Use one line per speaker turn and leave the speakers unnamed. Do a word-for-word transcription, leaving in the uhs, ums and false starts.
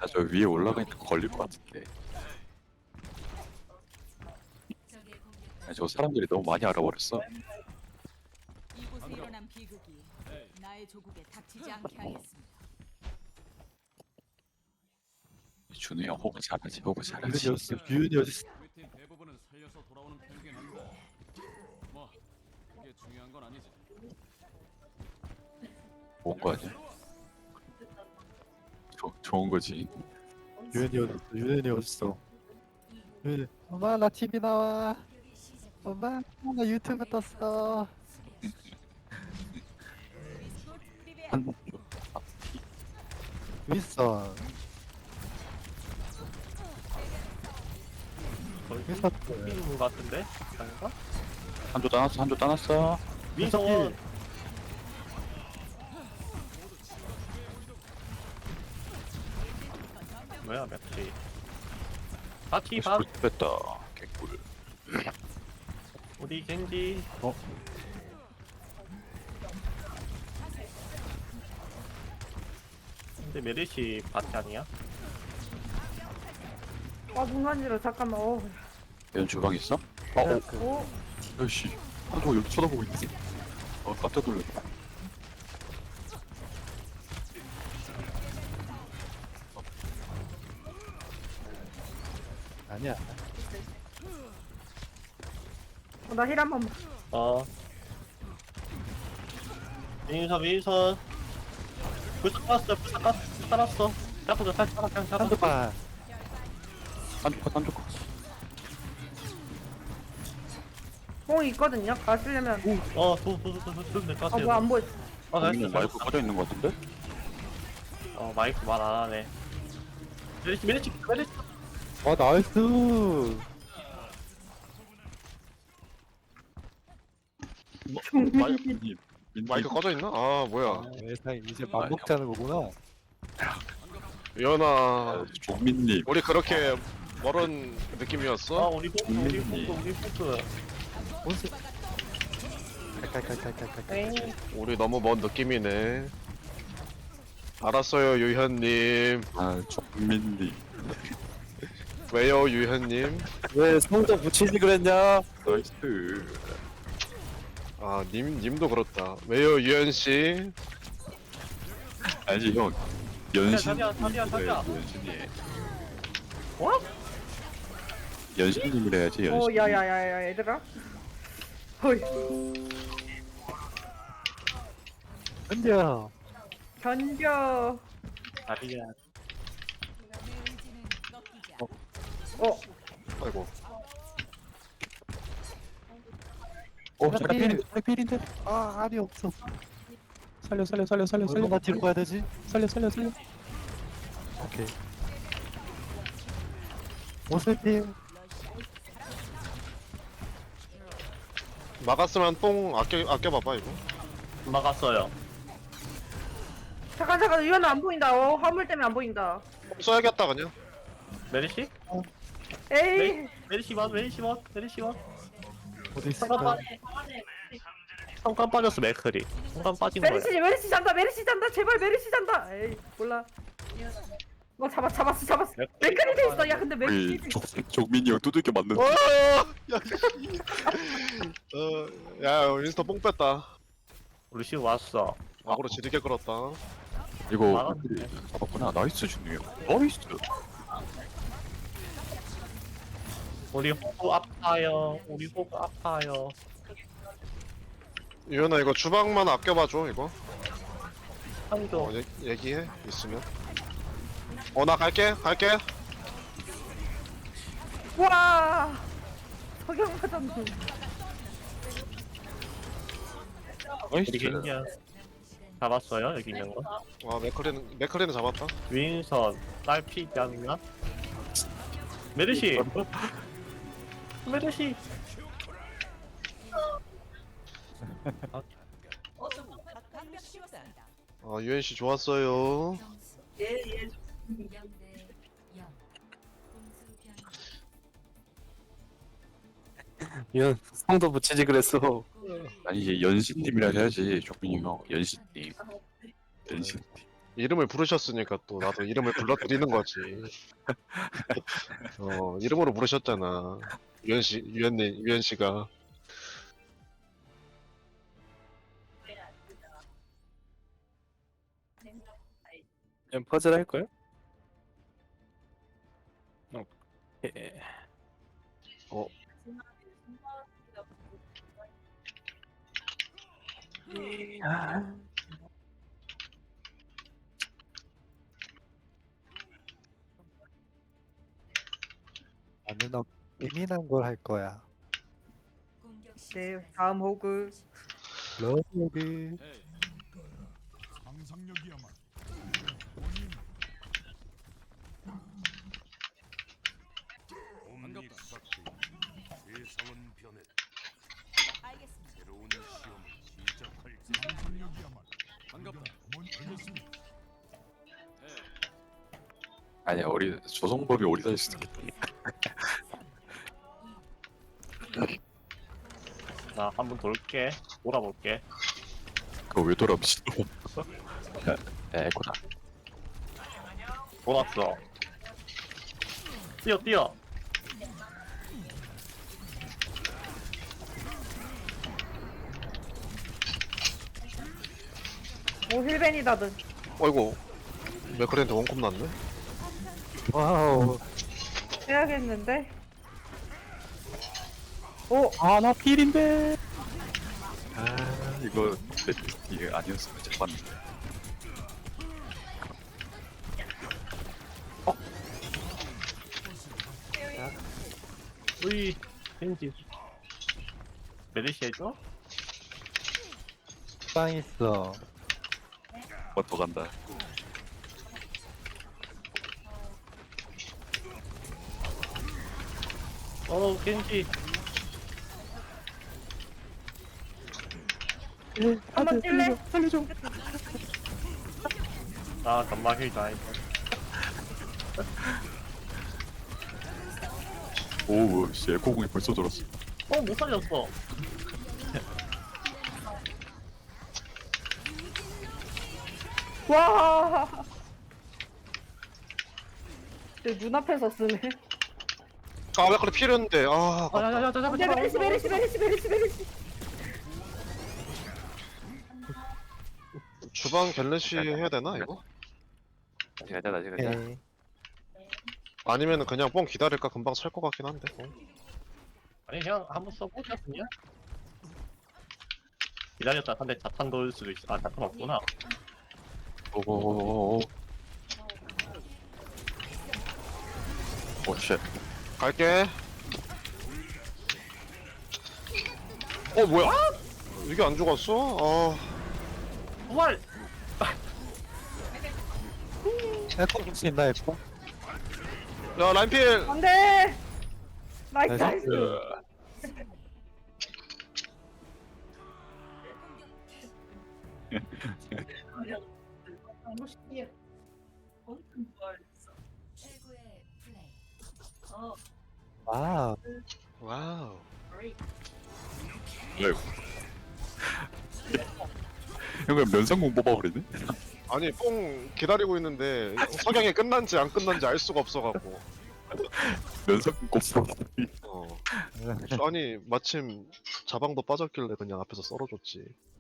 나 저 위에 올라가 있는 거 걸릴 것 같은데. 아니, 저 사람들이 너무 많이 알아버렸어.
이곳에 일어난 비극이 나의 조국에 닥치지 않게 하겠습니다.
준우 형 호구 잘하지, 호구
규현이
잘하지.
어딨어? 규현이 어딨어?
우리 팀 대부분은 살려서 돌아오는 편이긴 한데 뭐 그게 중요한 건 아니지.
좋은 거 아니야? 조, 좋은 거지.
규현이 어딨어? 규현이 어딨어? 규현이 엄마 나 티비 나와. 엄마 나 유튜브 떴어.
한,
윗선 윗선
인 것 같은데? 아닌가?
한조 따놨어, 한조 따놨어.
민성원 뭐야 맥지 바티 밥
뺐다. 개꿀.
우리 겐지
어?
근데 메르시 바티 아니야?
아, 문간지러 잠깐만. 어.
얘는 주방 있어? 아, 어,
오,
야씨. 한조 여기 쳐다보고 있네. 어, 깜짝 놀랐네.
아니야.
어, 나힐 한 번만.
어 민선 민선 불사 깔았어 불사 깔았어 불사 깔았어 잡고 살 살아 그냥 잡아
한두판
한조 컷, 한조 컷.
뽕이 있거든요. 가시려면.
어도도도도 될것
아,
같아요
뭐 안 보여.
어 나이스
여기는 마이크 꺼져 있는 거 같은데?
어 마이크 말 안 하네 메르시 메르시 메르시
아 나이스.
마이크, 님.
마이크 꺼져 있나? 아 뭐야?
세상 이제 맘 먹자는 거구나.
유연아,
아, 종민님.
우리 그렇게 멀은
아
느낌이었어?
우리 포크 우리 포크 우리 포크
온수. 칼칼칼칼칼칼.
우리 너무 먼 느낌이네. 알았어요, 유현님.
아, 종민님.
왜요, 유현님?
왜 성적 붙이지 그랬냐?
나이스.
아, 님, 님도 그렇다. 왜요, 유현 씨?
아니지, 형. 연신.
자리야, 자리야, 자리야.
연신이.
어?
연신님을 해야지, 연신.
어, 야, 야, 야, 야, 얘들아. 어이,
현재야.
견뎌.
자리야
내 의지는 꺾이지 않아.
어,
아이고.
어, 자리 필인데, 자리 필인데.
아 알이 없어.
살려, 살려, 살려, 살려, 살려.
얼마나 뒤로 가야 되지?
살려, 살려, 살려.
오케이. 오세팀.
막았으면 뽕 아껴, 아껴봐봐, 이거.
막았어요
잠깐, 잠깐, 유연아 안 보인다. 어, 화물 때문에 안 보인다.
뽕 써야겠다, 그냥.
메르시?
에이,
메, 메르시 원 메르시 원 메르시 원
어디
성감
있을까?
빠 성감 빠졌어 맥클이 성감 빠진 거야
메르시, 메르시 잔다, 메르시 잔다. 제발 메르시 잔다. 에이, 몰라. 뭐 잡았, 잡았어, 잡았어. 맥크리 돼 있어. 야, 근데
우리
맥크리.
종, 종민이 형 두들겨 맞는.
어, 야, 씨. 어, 야, 윈스터 뽕 뺐다.
루시 왔어
악으로 지르게 끌었다.
이거
막았네.
잡았구나. 나이스, 준우 형. 나이스.
우리 호구 아파요 우리 호구 아파요
유연아, 이거 주방만 아껴봐줘, 이거.
한조
어, 얘, 얘기해, 있으면. 어, 나 갈게, 갈게.
와, 석영 맞았네.
우리
나이스.
겐지야 잡았어요 여기 있는 거
아, 맥클리는, 맥클리는 잡았다.
윈선 딸피 아니면 메르시 메르시
방벽 씌웠습니다.
아, 유엔씨 좋았어요.
이건 성도 붙이지 그랬어.
아니, 이제 연신님이라 해야지, 종민이 형. 연신님. 연신님.
이름을 부르셨으니까 또 나도 이름을 불러드리는 거지. 어 이름으로 부르셨잖아. 유현 씨, 유현님, 유현 씨가.
그냥 퍼즐 할걸? 오케이.
어
나는 너 예민한 걸 할 거야.
네, 다음 호그.
러브.
에이, 반갑다. 반갑다.
아니야 우리 조성법이 오리다일 수도 있겠다.
나 한 번 돌게. 돌아볼게.
그거 왜 돌아 미친놈. 에고다.
돌았어. 뛰어 뛰어.
오 힐벤이다든.
어이구 맥크랜드 원콤 났네.
와우.
해야겠는데. 오
아, 나 필인데.
아 이거 이게 아니었으면 잡았는데.
으이. 겐지. 메르시 해줘?
빵 있어.
뭐 더 간다.
어 겐지.
한번 찔래?
아 잠만 힐다 이거.
오우 씨 에코공이 벌써 돌았어.
어못 살렸어.
와. 내 눈앞에서 쓰네.
아 맥크랜드 필요했는데 아 아깝다.
아야야야 잠깐
근데 메리시 메리시 메리시 메리시 메리시.
주방 갤레시 해야 되나 이거?
다시 가자 다시 가자.
오케이.
아니면은 그냥 뽕 기다릴까 금방 찰 것 같긴 한데. 어.
아니 그냥 한번 써보자 그냥. 기다렸다 한대 자탄 넣을 수도 있어. 아 자탄 없구나.
오오오오. 오쉣.
갈게. 어 뭐야? 이게 안 죽었어? 아
부활.
에코 볼수 있나, 에코?
야 라인필.
안돼. 나이스
나이스.
나이스.
와우.
와우.
아이고. 이거 면상공 뽑아버리네?
아니 뽕 기다리고 있는데 석양이 끝난지 안 끝난지 알 수가 없어갖고.
면상공 꼽어.
어. 아니 마침 자방도 빠졌길래 그냥 앞에서 썰어줬지.